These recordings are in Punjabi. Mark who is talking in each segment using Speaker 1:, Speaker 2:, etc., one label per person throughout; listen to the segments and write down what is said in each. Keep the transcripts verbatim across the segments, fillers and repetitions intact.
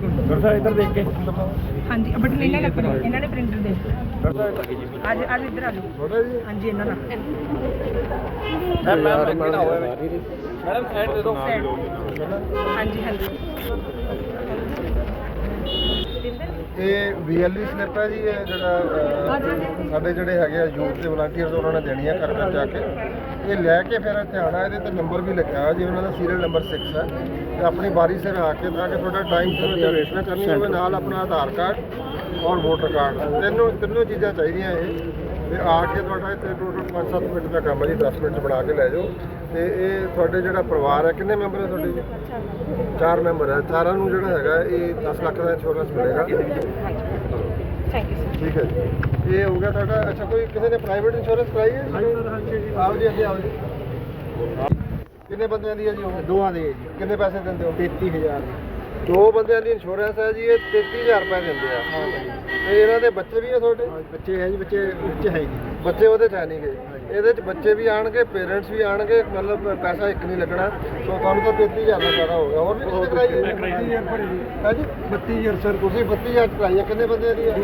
Speaker 1: डॉक्टर इधर देख के
Speaker 2: हाँ जी बट इन्होंने अपने इन्होंने प्रिंटर दे आज आज इधर आ जाओ हाँ जी इन्होंने
Speaker 1: मैडम साइड दे दो
Speaker 2: हाँ जी हाँ जी
Speaker 3: ਇਹ ਵੀ ਐਲ ਈ ਸਲਿੱਪ ਹੈ ਜੀ। ਇਹ ਜਿਹੜਾ ਸਾਡੇ ਜਿਹੜੇ ਹੈਗੇ ਆ ਯੂਥ ਦੇ ਵਲੰਟੀਅਰਸ ਉਹਨਾਂ ਨੇ ਦੇਣੀ ਹੈ ਘਰ ਘਰ ਜਾ ਕੇ। ਇਹ ਲੈ ਕੇ ਫਿਰ ਇੱਥੇ ਆਉਣਾ। ਇਹਦੇ 'ਤੇ ਨੰਬਰ ਵੀ ਲਿਖਿਆ ਹੋਇਆ ਜੀ ਉਹਨਾਂ ਦਾ ਸੀਰੀਅਲ ਨੰਬਰ ਛੇ ਹੈ ਤੇ ਆਪਣੀ ਵਾਰੀ ਸਿਰ ਆ ਕੇ ਤਾਂ ਕਿ ਤੁਹਾਡਾ ਟਾਈਮ ਸਿਰ ਰਜਿਸਟ੍ਰੇਸ਼ਨ ਕਰਨੀ ਹੋਵੇ ਨਾਲ ਆਪਣਾ ਆਧਾਰ ਕਾਰਡ ਔਰ ਵੋਟਰ ਕਾਰਡ ਤਿੰਨੋਂ ਤਿੰਨੋਂ ਚੀਜ਼ਾਂ ਚਾਹੀਦੀਆਂ ਇਹ ਤੇ ਆ ਕੇ ਤੁਹਾਡਾ ਇੱਥੇ ਟੋਟਲ ਪੰਜ ਸੱਤ ਮਿੰਟ ਦਾ ਕੰਮ ਹੈ ਜੀ। ਦਸ ਮਿੰਟ 'ਚ ਬਣਾ ਕੇ ਲੈ ਜਾਓ। ਤੇ ਇਹ ਤੁਹਾਡੇ ਜਿਹੜਾ ਪਰਿਵਾਰ ਹੈ ਕਿੰਨੇ ਮੈਂਬਰ ਹੈ ਤੁਹਾਡੇ ਜੀ? ਚਾਰ ਮੈਂਬਰ ਹੈ। ਚਾਰਾਂ ਨੂੰ ਜਿਹੜਾ ਹੈਗਾ ਇਹ ਦਸ ਲੱਖ ਦਾ ਇੰਸ਼ੋਰੈਂਸ ਮਿਲੇਗਾ। ਠੀਕ ਹੈ ਜੀ ਇਹ ਹੋ ਗਿਆ ਤੁਹਾਡਾ। ਅੱਛਾ ਕੋਈ ਕਿਸੇ ਨੇ ਪ੍ਰਾਈਵੇਟ ਇੰਸ਼ੋਰੈਂਸ ਕਰਾਈ ਹੈ ਜੀ? ਆਓ ਜੀ ਅੱਗੇ ਆਓ ਜੀ। ਕਿੰਨੇ ਬੰਦਿਆਂ ਦੀ ਹੈ ਜੀ? ਉਹ ਦੋਵਾਂ ਦੀ ਹੈ ਜੀ। ਕਿੰਨੇ ਪੈਸੇ ਦਿੰਦੇ ਹੋ? ਤੇਤੀ ਹਜ਼ਾਰ ਦੋ ਬੰਦਿਆਂ ਦੀ ਇੰਸ਼ੋਰੈਂਸ ਹੈ ਜੀ। ਇਹ ਤੇਤੀ ਹਜ਼ਾਰ ਰੁਪਏ ਦਿੰਦੇ ਆ। ਤੇ ਇਹਨਾਂ ਦੇ ਬੱਚੇ ਵੀ ਆ ਤੁਹਾਡੇ? ਬੱਚੇ ਹੈ ਜੀ। ਬੱਚੇ ਬੱਚੇ ਹੈ ਜੀ। ਬੱਚੇ ਉਹਦੇ 'ਚ ਹੈ ਨਹੀਂ ਗਏ। ਇਹਦੇ 'ਚ ਬੱਚੇ ਵੀ ਆਣਗੇ ਪੇਰੈਂਟਸ ਵੀ ਆਣਗੇ ਮਤਲਬ ਪੈਸਾ ਇੱਕ ਨਹੀਂ ਲੱਗਣਾ। ਸੋ ਤੁਹਾਨੂੰ ਤਾਂ ਤੇਤੀ ਹਜ਼ਾਰ ਦਾ ਫਾਇਦਾ ਹੋ ਗਿਆ। ਹੋਰ ਵੀ ਕਿਸੇ ਕਰਾਈ ਹੈ ਜੀ? ਬੱਤੀ ਹਜ਼ਾਰ ਸਰ। ਤੁਸੀਂ ਬੱਤੀ ਹਜ਼ਾਰ ਕਰਾਈ ਹੈ। ਕਿੰਨੇ ਬੰਦਿਆਂ ਦੀ ਹੈ?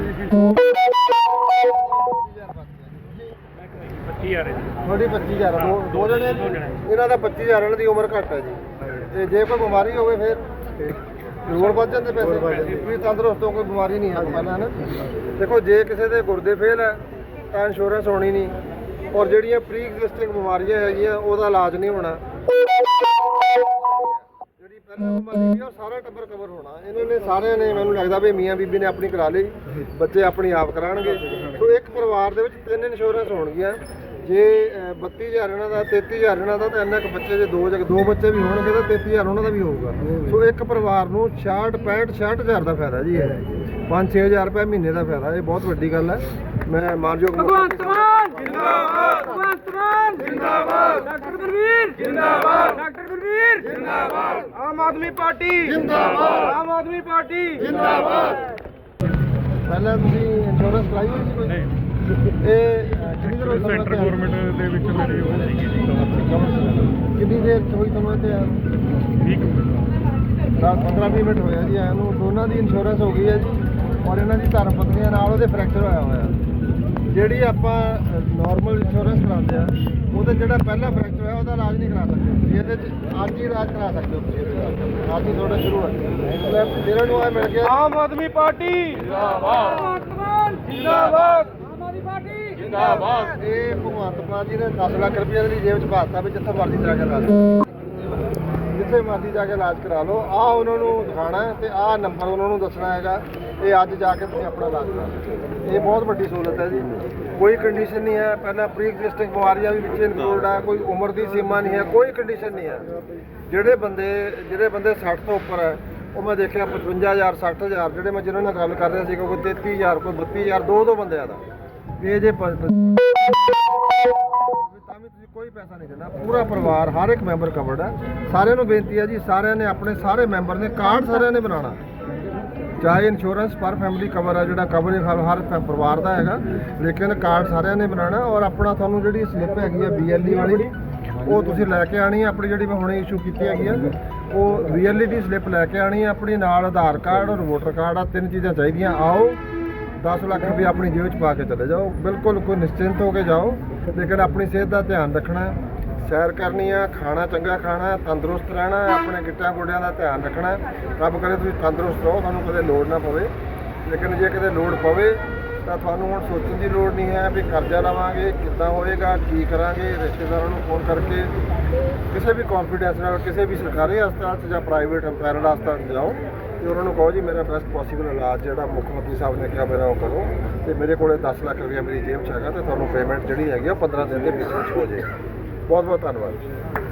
Speaker 1: पच्ची हज़ार
Speaker 3: ਤੁਹਾਡੀ ਪੱਚੀ ਹਜ਼ਾਰ ਦੋ ਦੋ ਜਣੇ ਇਹਨਾਂ ਦਾ ਪੱਚੀ ਹਜ਼ਾਰ ਇਹਨਾਂ ਦੀ ਉਮਰ ਘੱਟ ਹੈ ਜੀ। ਤੇ ਜੇ ਕੋਈ ਬਿਮਾਰੀ ਹੋਵੇ ਫਿਰ ਹੋਰ ਵੱਧ ਜਾਂਦੇ ਪੈਸੇ। ਵੀ ਤੰਦਰੁਸਤ ਹੋ ਕੋਈ ਬਿਮਾਰੀ ਨਹੀਂ ਹੈ ਪਹਿਲਾਂ ਹੈ ਨਾ। ਦੇਖੋ ਜੇ ਕਿਸੇ ਦੇ ਗੁਰਦੇ ਫੇਲ ਹੈ ਤਾਂ ਇੰਸ਼ੋਰੈਂਸ ਹੋਣੀ ਨਹੀਂ ਔਰ ਜਿਹੜੀਆਂ ਪ੍ਰੀ ਐਗਜ਼ਿਸਟਿੰਗ ਬਿਮਾਰੀਆਂ ਹੈਗੀਆਂ ਉਹਦਾ ਇਲਾਜ ਨਹੀਂ ਹੋਣਾ। ਜਿਹੜੀ ਪਹਿਲਾਂ ਬਿਮਾਰੀ ਹੈ ਉਹ ਸਾਰਾ ਟੱਬਰ ਕਵਰ ਹੋਣਾ। ਇਹਨਾਂ ਨੇ ਸਾਰਿਆਂ ਨੇ ਮੈਨੂੰ ਲੱਗਦਾ ਵੀ ਮੀਆਂ ਬੀਬੀ ਨੇ ਆਪਣੀ ਕਰਾ ਲਈ ਬੱਚੇ ਆਪਣੀ ਆਪ ਕਰਾਉਣਗੇ। ਸੋ ਇੱਕ ਪਰਿਵਾਰ ਦੇ ਵਿੱਚ ਤਿੰਨ ਇੰਸ਼ੋਰੈਂਸ ਹੋਣਗੀਆਂ। ਜੇ ਬੱਤੀ ਹਜ਼ਾਰ ਇਹਨਾਂ ਦਾ ਤੇਤੀ ਹਜ਼ਾਰ ਇਹਨਾਂ ਦਾ ਤਾਂ ਇੰਨਾ ਕੁ ਬੱਚੇ ਜੇ ਦੋ ਦੋ ਬੱਚੇ ਵੀ ਹੋਣਗੇ ਤਾਂ ਤੇਤੀ ਹਜ਼ਾਰ ਉਹਨਾਂ ਦਾ ਵੀ ਹੋਊਗਾ। ਸੋ ਇੱਕ ਪਰਿਵਾਰ ਨੂੰ ਛਿਆਹਠ ਪੈਂਹਠ ਛਿਆਹਠ ਹਜ਼ਾਰ ਦਾ ਫਾਇਦਾ ਜੀ। ਇਹ ਪੰਜ ਛੇ ਹਜ਼ਾਰ ਰੁਪਏ ਮਹੀਨੇ ਦਾ ਫਾਇਦਾ। ਇਹ ਬਹੁਤ ਵੱਡੀ ਗੱਲ ਹੈ। ਮੈਂ ਮਾਨਯੋਗ
Speaker 2: ਭਗਵੰਤ ਮਾਨ ਜਿੰਦਾਬਾਦ ਭਗਵੰਤ ਮਾਨ ਜਿੰਦਾਬਾਦ ਡਾਕਟਰ ਗੁਰਵੀਰ ਜਿੰਦਾਬਾਦ ਡਾਕਟਰ ਗੁਰਵੀਰ ਜਿੰਦਾਬਾਦ ਆਮ ਆਦਮੀ ਪਾਰਟੀ ਜਿੰਦਾਬਾਦ ਆਮ ਆਦਮੀ ਪਾਰਟੀ ਜਿੰਦਾਬਾਦ।
Speaker 3: ਪਹਿਲਾਂ ਤੁਸੀਂ ਇੰਸ਼ੋਰੈਂਸ ਕਰਾਈ ਹੋਈ ਸੀ ਕੋਈ?
Speaker 1: नहीं
Speaker 3: ਇਹ ਕਿੰਨੀ ਦੇਰ ਹੋਈ ਤੁਹਾਨੂੰ
Speaker 1: सेंटर गवर्नमेंट ਦੇ ਵਿੱਚ ਮੇਰੀ ਹੋ ਜਾਏਗੀ ਜੀ
Speaker 3: ਕਿੰਨੀ ਦੇਰ 'ਚ ਹੋਈ ਤੁਹਾਨੂੰ ਇੱਥੇ ਆਉਣ ਨੂੰ?
Speaker 1: ਠੀਕ
Speaker 3: ਦਸ ਪੰਦਰਾਂ ਵੀਹ ਮਿੰਟ ਹੋਇਆ ਜੀ ਆਇਆ ਨੂੰ। ਦੋਨਾਂ ਦੀ ਇੰਸ਼ੋਰੈਂਸ ਹੋ ਗਈ ਹੈ ਜੀ ਔਰ ਇਹਨਾਂ ਦੀ ਧਰਮ ਪਤਨੀਆਂ ਨਾਲ ਉਹਦੇ ਫ੍ਰੈਕਚਰ ਹੋਇਆ ਹੋਇਆ। ਜਿਹੜੀ ਆਪਾਂ ਨਾਰਮਲ ਇੰਸ਼ੋਰੈਂਸ ਕਰਾਉਂਦੇ ਆ ਉਹਦੇ ਜਿਹੜਾ ਪਹਿਲਾ ਫ੍ਰੈਕਚਰ ਹੋਇਆ ਉਹਦਾ ਇਲਾਜ ਨਹੀਂ ਕਰਾ ਸਕਦੇ। ਇਹਦੇ 'ਚ ਅੱਜ ਹੀ ਇਲਾਜ ਕਰਾ ਸਕਦੇ ਹੋ ਤੁਸੀਂ। ਇਹਦੇ ਅੱਜ ਹੀ ਤੁਹਾਡਾ ਸ਼ੁਰੂ ਹੈ। ਮਤਲਬ ਇਹਨਾਂ ਨੂੰ ਆ ਮਿਲ ਗਿਆ
Speaker 1: ਆਮ ਆਦਮੀ ਪਾਰਟੀ ਜਿੰਦਾਬਾਦ
Speaker 2: ਭਗਵੰਤ ਮਾਨ
Speaker 1: ਜਿੰਦਾਬਾਦ
Speaker 2: ਆਮ ਆਦਮੀ ਪਾਰਟੀ
Speaker 1: ਜਿੰਦਾਬਾਦ।
Speaker 3: ਇਹ ਭਗਵੰਤ ਮਾਨ ਜੀ ਨੇ ਦਸ ਲੱਖ ਰੁਪਏ ਦੀ ਜੇਬ 'ਚ ਪਾਤਾ ਵੀ ਜਿੱਥੇ ਮਰਜ਼ੀ ਜਾ ਕੇ ਇਲਾਜ ਜਿੱਥੇ ਮਰਜ਼ੀ ਜਾ ਕੇ ਇਲਾਜ ਕਰਾ ਲਓ। ਆਹ ਉਹਨਾਂ ਨੂੰ ਦਿਖਾਉਣਾ ਤੇ ਆਹ ਨੰਬਰ ਉਹਨਾਂ ਨੂੰ ਦੱਸਣਾ ਹੈਗਾ। ਇਹ ਅੱਜ ਜਾ ਕੇ ਤੁਸੀਂ ਆਪਣਾ ਇਲਾਜ ਕਰਾ ਲਓ। ਇਹ ਬਹੁਤ ਵੱਡੀ ਸਹੂਲਤ ਹੈ ਜੀ। ਕੋਈ ਕੰਡੀਸ਼ਨ ਨਹੀਂ ਹੈ। ਪਹਿਲਾਂ ਪ੍ਰੀ ਐਗਜ਼ਿਸਟਿੰਗ ਬਿਮਾਰੀਆਂ ਵੀ ਵਿੱਚ ਇਨਕਲੂਡ ਹੈ। ਕੋਈ ਉਮਰ ਦੀ ਸੀਮਾ ਨਹੀਂ ਹੈ। ਕੋਈ ਕੰਡੀਸ਼ਨ ਨਹੀਂ ਹੈ। ਜਿਹੜੇ ਬੰਦੇ ਜਿਹੜੇ ਬੰਦੇ ਸੱਠ ਤੋਂ ਉੱਪਰ ਹੈ ਉਹ ਮੈਂ ਦੇਖਿਆ ਪਚਵੰਜਾ ਹਜ਼ਾਰ ਸੱਠ ਹਜ਼ਾਰ ਜਿਹੜੇ ਮੈਂ ਜਿਹਨਾਂ ਨਾਲ ਗੱਲ ਕਰ ਰਿਹਾ ਸੀ ਕੋਈ ਤੇਤੀ ਹਜ਼ਾਰ ਕੋਈ ਬੱਤੀ ਹਜ਼ਾਰ ਦੋ ਦੋ ਬੰਦਿਆਂ ਦਾ ਇਹ ਜੇ ਤਾਂ ਵੀ ਤੁਸੀਂ ਕੋਈ ਪੈਸਾ ਨਹੀਂ ਦੇਣਾ। ਪੂਰਾ ਪਰਿਵਾਰ ਹਰ ਇੱਕ ਮੈਂਬਰ ਕਵਰਡ ਹੈ। ਸਾਰਿਆਂ ਨੂੰ ਬੇਨਤੀ ਹੈ ਜੀ ਸਾਰਿਆਂ ਨੇ ਆਪਣੇ ਸਾਰੇ ਮੈਂਬਰ ਨੇ ਕਾਰਡ ਸਾਰਿਆਂ ਨੇ ਬਣਾਉਣਾ। ਚਾਹੇ ਇੰਸ਼ੋਰੈਂਸ ਪਰ ਫੈਮਿਲੀ ਕਵਰ ਹੈ ਜਿਹੜਾ ਕਵਰ ਹਰ ਪਰਿਵਾਰ ਦਾ ਹੈਗਾ ਲੇਕਿਨ ਕਾਰਡ ਸਾਰਿਆਂ ਨੇ ਬਣਾਉਣਾ। ਔਰ ਆਪਣਾ ਤੁਹਾਨੂੰ ਜਿਹੜੀ ਸਲਿੱਪ ਹੈਗੀ ਆ ਬੀ ਐਲ ਈ ਵਾਲੀ ਉਹ ਤੁਸੀਂ ਲੈ ਕੇ ਆਣੀ ਹੈ। ਆਪਣੀ ਜਿਹੜੀ ਮੈਂ ਹੁਣੇ ਇਸ਼ੂ ਕੀਤੀ ਹੈਗੀ ਆ ਉਹ ਬੀ ਐਲ ਈ ਦੀ ਸਲਿੱਪ ਲੈ ਕੇ ਆਣੀ ਹੈ। ਆਪਣੀ ਨਾਲ ਆਧਾਰ ਕਾਰਡ ਔਰ ਵੋਟਰ ਕਾਰਡ ਆ ਤਿੰਨ ਚੀਜ਼ਾਂ ਚਾਹੀਦੀਆਂ। ਆਓ ਦਸ ਲੱਖ ਰੁਪਏ ਆਪਣੀ ਜੇਬ 'ਚ ਪਾ ਕੇ ਚਲੇ ਜਾਓ। ਬਿਲਕੁਲ ਕੋਈ ਨਿਸ਼ਚਿੰਤ ਹੋ ਕੇ ਜਾਓ ਲੇਕਿਨ ਆਪਣੀ ਸਿਹਤ ਦਾ ਧਿਆਨ ਰੱਖਣਾ। ਸੈਰ ਕਰਨੀ ਆ ਖਾਣਾ ਚੰਗਾ ਖਾਣਾ ਤੰਦਰੁਸਤ ਰਹਿਣਾ ਆਪਣੇ ਗਿੱਟਿਆਂ ਗੋਡਿਆਂ ਦਾ ਧਿਆਨ ਰੱਖਣਾ। ਰੱਬ ਕਰੇ ਤੁਸੀਂ ਤੰਦਰੁਸਤ ਰਹੋ ਤੁਹਾਨੂੰ ਕਦੇ ਲੋੜ ਨਾ ਪਵੇ। ਲੇਕਿਨ ਜੇ ਕਿਤੇ ਲੋੜ ਪਵੇ ਤਾਂ ਤੁਹਾਨੂੰ ਹੁਣ ਸੋਚਣ ਦੀ ਲੋੜ ਨਹੀਂ ਹੈ ਵੀ ਕਰਜ਼ਾ ਲਵਾਂਗੇ ਕਿੱਦਾਂ ਹੋਏਗਾ ਕੀ ਕਰਾਂਗੇ। ਰਿਸ਼ਤੇਦਾਰਾਂ ਨੂੰ ਫੋਨ ਕਰਕੇ ਕਿਸੇ ਵੀ ਕੌਨਫੀਡੈਂਸ ਨਾਲ ਕਿਸੇ ਵੀ ਸਰਕਾਰੀ ਹਸਪਤਾਲ 'ਚ ਜਾਂ ਪ੍ਰਾਈਵੇਟ ਪੈਰਲ ਹਸਪਤਾਲ 'ਚ ਜਾਓ ਤੇ ਉਹਨਾਂ ਨੂੰ ਕਹੋ ਜੀ ਮੇਰਾ ਬੈਸਟ ਪੋਸੀਬਲ ਇਲਾਜ ਜਿਹੜਾ ਮੁੱਖ ਮੰਤਰੀ ਸਾਹਿਬ ਨੇ ਕਿਹਾ ਮੇਰਾ ਉਹ ਕਰੋ ਤੇ ਮੇਰੇ ਕੋਲੇ ਦਸ ਲੱਖ ਰੁਪਏ ਮੇਰੀ ਜੇਬ 'ਚ ਹੈਗਾ ਤੇ ਤੁਹਾਨੂੰ ਪੇਮੈਂਟ ਜਿਹੜੀ ਹੈਗੀ ਉਹ ਪੰਦਰਾਂ ਦਿਨ ਦੇ ਵਿੱਚ ਵਿੱਚ ਹੋ ਜਾਏਗੀ। ਬਹੁਤ ਬਹੁਤ ਧੰਨਵਾਦ।